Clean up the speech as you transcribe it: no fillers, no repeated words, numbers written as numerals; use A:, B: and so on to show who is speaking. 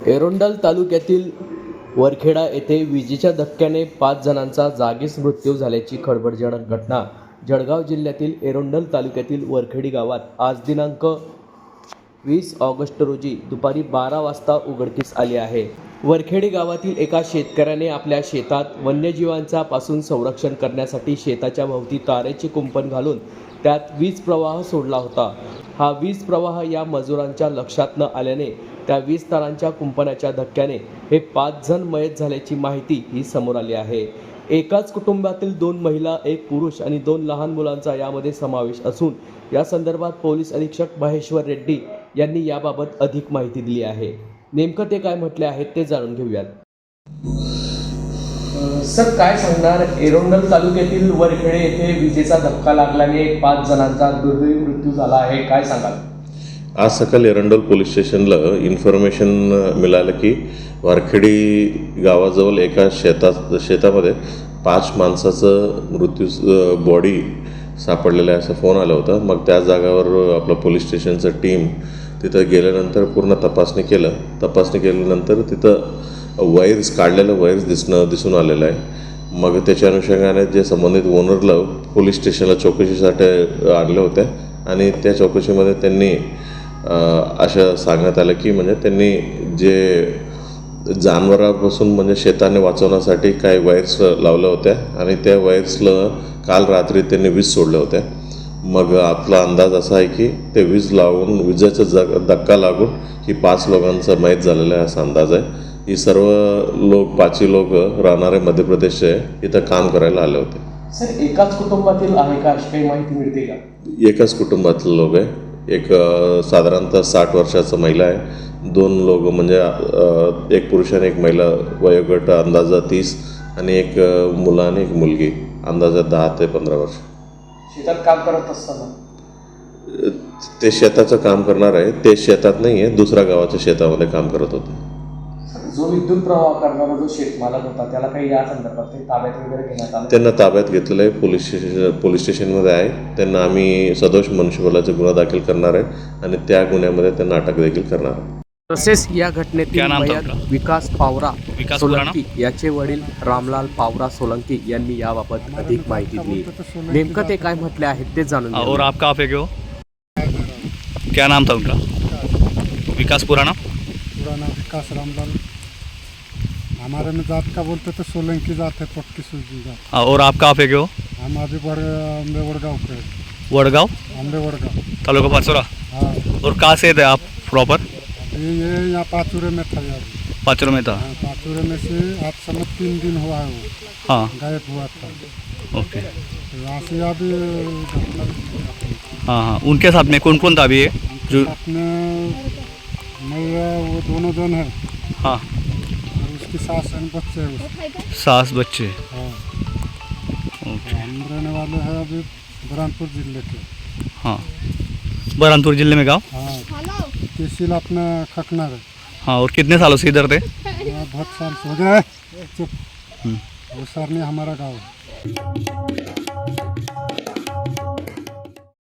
A: एरोंडल तालुक्यातील वरखेडा येथे विजेच्या धक्क्याने 5 जणांचा जागीच मृत्यू झाल्याची खळबळजनक घटना जळगाव जिल्ह्यातील एरोंडल तालुक्यातील वरखेडी गावात आज दिनांक 20 ऑगस्ट रोजी दुपारी 12 वाजता उघडकीस आली आहे। वरखेडी गावातील एका शेतकऱ्याने आपल्या शेतात वन्यजीवांचा पासून संरक्षण करण्यासाठी शेताच्या भोवती तारेचे कुंपण घालून त्यात वीज प्रवाह सोडला होता। हा वीज प्रवाह या मजुरांच्या लक्षात न आल्याने त्या वीज तारांच्या कुंपणाच्या धक्क्याने हे 5 जण मयत झाल्याची माहिती ही समोर आली आहे। एकाच कुटुंबातील 2 महिला, 1 पुरुष आणि 2 लहान मुलांचा यामध्ये समावेश असून या संदर्भात पोलीस अधीक्षक महेश्वर रेड्डी यांनी याबाबत अधिक माहिती दिली आहे। नेमकं ते काय म्हटले आहेत ते जाणून घेऊयात। सर, काय सांगणार, एरोंडल तालुक्यातील वरखेडे येथे विजेचा धक्का लागल्याने 5 जणांचा दुर्दैवी मृत्यू झाला आहे, काय सांगाल?
B: आज सकाळी एरंडोल पोलीस स्टेशनला इन्फॉर्मेशन मिळालं की वरखेडी गावाजवळ एका शेतामध्ये 5 माणसाचं मृत्यू बॉडी सापडलेला आहे असा फोन आला होता। मग त्या जागावर आपलं पोलीस स्टेशनचं टीम तिथं गेल्यानंतर पूर्ण तपासणी केल्यानंतर तिथं वायर्स काढलेलं वायर्स दिसून आलेलं आहे। मग त्याच्या अनुषंगाने जे संबंधित ओनरला पोलीस स्टेशनला चौकशीसाठी आणले होते आणि त्या चौकशीमध्ये त्यांनी असं सांगण्यात आलं की म्हणजे त्यांनी जे जनावरांपासून म्हणजे शेताने वाचवण्यासाठी काही वायर्स लावल्या होत्या आणि त्या वायर्सला काल रात्री त्यांनी वीज सोडल्या होत्या। मग आपला अंदाज असा आहे की ते वीज लावून विजेचा धक्का लागून ही 5 लोकांचा मयत झालेला आहे असा अंदाज आहे। ही सर्व लोक 5 लोक राहणारे मध्य प्रदेशचे इथं काम करायला आले होते।
A: सर, एकाच कुटुंबातील आहे का अशी काही माहिती मिळते का?
B: एकाच कुटुंबातील लोक आहे। एक साधारणतः 60 वर्षाचा महिला आहे, 2 लोक म्हणजे एक पुरुष आणि एक महिला, वयोगट अंदाजा 30 आणि एक मुलं आणि एक मुलगी अंदाजा 10 ते 15 वर्ष।
A: शेतात काम करत असताना
B: ते शेताचं काम करणार आहे, ते शेतात नाही आहे, दुसऱ्या गावाच्या शेतामध्ये काम करत होते।
A: जो विद्युत प्रवाह करणारा जो शेतमालक होता त्याला काही या संदर्भात ताब्यात वगैरे घेण्यात आलं?
B: त्यांना ताब्यात घेतलेलं आहे, पोलीस स्टेशनमध्ये आहे। त्यांना आम्ही सदोष मनुष्यबळाचा गुन्हा दाखल करणार आहे आणि त्या गुन्ह्यामध्ये त्यांना अटक देखील करणार आहे।
A: तसेच या घटनेतील मयत विकास पावरा सोलंकी याचे वडील रामलाल पावरा सोलंकी यांनी याबाबत अधिक माहिती दिली। नेमकं ते काय म्हटले आहेत ते जाणून घेऊ।
C: और आप कहाँ पे गए हो? क्या नाम था उनका? विकास पुराना
D: विकास रामलाल। हमारे में जात का बोलते तो सोलंकी जात है, पक्की सूजी जात।
C: और आप कहाँ पे गए हो?
D: हम अभी अम्बे वड़गांव पे।
C: वड़गांव,
D: अम्बे वड़गांव,
C: तालुका पाचोरा।
D: हाँ।
C: और कहाँ से थे आप प्रॉपर?
D: ये यहाँ पाचूरे में था यार।
C: पाचोरा में था।
D: हाँ, पाचूरे में से आज समय 3 दिन हुआ है वो।
C: हाँ,
D: गायब हुआ था।
C: ओके।
D: यहाँ से अभी
C: हाँ हाँ, उनके साथ में कौन कौन था अभी ये जो?
D: अपने मैं वो दोनों जन है।
C: हाँ,
D: और उसकी सास और बच्चे है उसके।
C: सास बच्चे।
D: हाँ।
C: ओके।
D: हम रहने वाले हैं अभी बुरहानपुर जिले के।
C: हाँ, बुरहानपुर जिले में गाँव।
D: हाँ, तहसील अपना खकनर है।
C: हाँ, और कितने सालों से इधर थे?
D: बहुत साल से हो गए। चुप। वो सरनी हमारा गाँव है।